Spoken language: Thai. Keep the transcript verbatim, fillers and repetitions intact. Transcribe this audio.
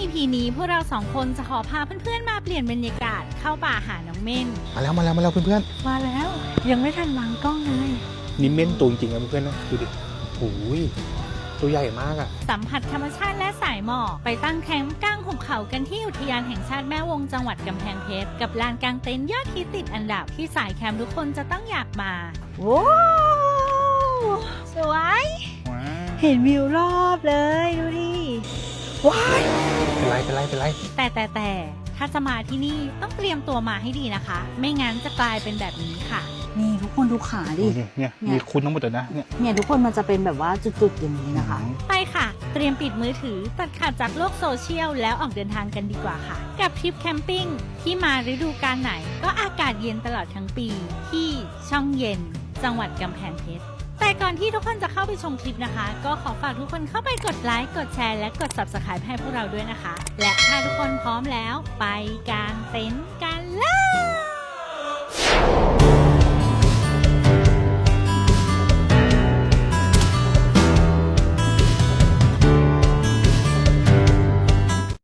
พี นี้พวกเราสองคนจะขอพาเพื่อนๆมาเปลี่ยนบรรยากาศเข้าป่าหาน้องเม่นมาแล้วมาแล้วมาแล้วเพื่อนมาแล้วยังไม่ทันวางกล้องเลยๆนี่เม่นตัวจริงๆนะเพื่อนๆนะดูดิโอ้ยตัวใหญ่มากอ่ะสัมผัสธรรมชาติและสายหมอกไปตั้งแคมป์กลางหุบเขากันที่อุทยานแห่งชาติแม่วงจังหวัดกำแพงเพชรกับลานกางเต็นท์ยอดฮิตติดอันดับที่สายแคมป์ทุกคนจะต้องอยากมาว้าวสวยเห็นวิวรอบเลยดูดิว้ายเป็นไรเป็นไรเป็นไรแต่แต่แต่ถ้าจะมาที่นี่ต้องเตรียมตัวมาให้ดีนะคะไม่งั้นจะกลายเป็นแบบนี้ค่ะนี่ทุกคนดูขาดิเนี่ยมีคุณทั้งหมดเลยนะเนี่ยเนี่ยทุกคนมันจะเป็นแบบว่าจุดๆอย่างนี้นะคะไปค่ะเตรียมปิดมือถือตัดขาดจากโลกโซเชียลแล้วออกเดินทางกันดีกว่าค่ะกับทริปแคมปิ้งที่มาฤดูกาลไหนก็อากาศเย็นตลอดทั้งปีที่ช่องเย็นจังหวัดกำแพงเพชรแต่ก่อนที่ทุกคนจะเข้าไปชมคลิปนะคะก็ขอฝากทุกคนเข้าไปกดไลค์กดแชร์และกด ซับสไครบ์ ให้พวกเราด้วยนะคะและถ้าทุกคนพร้อมแล้วไปกางเต็นท์กันเลย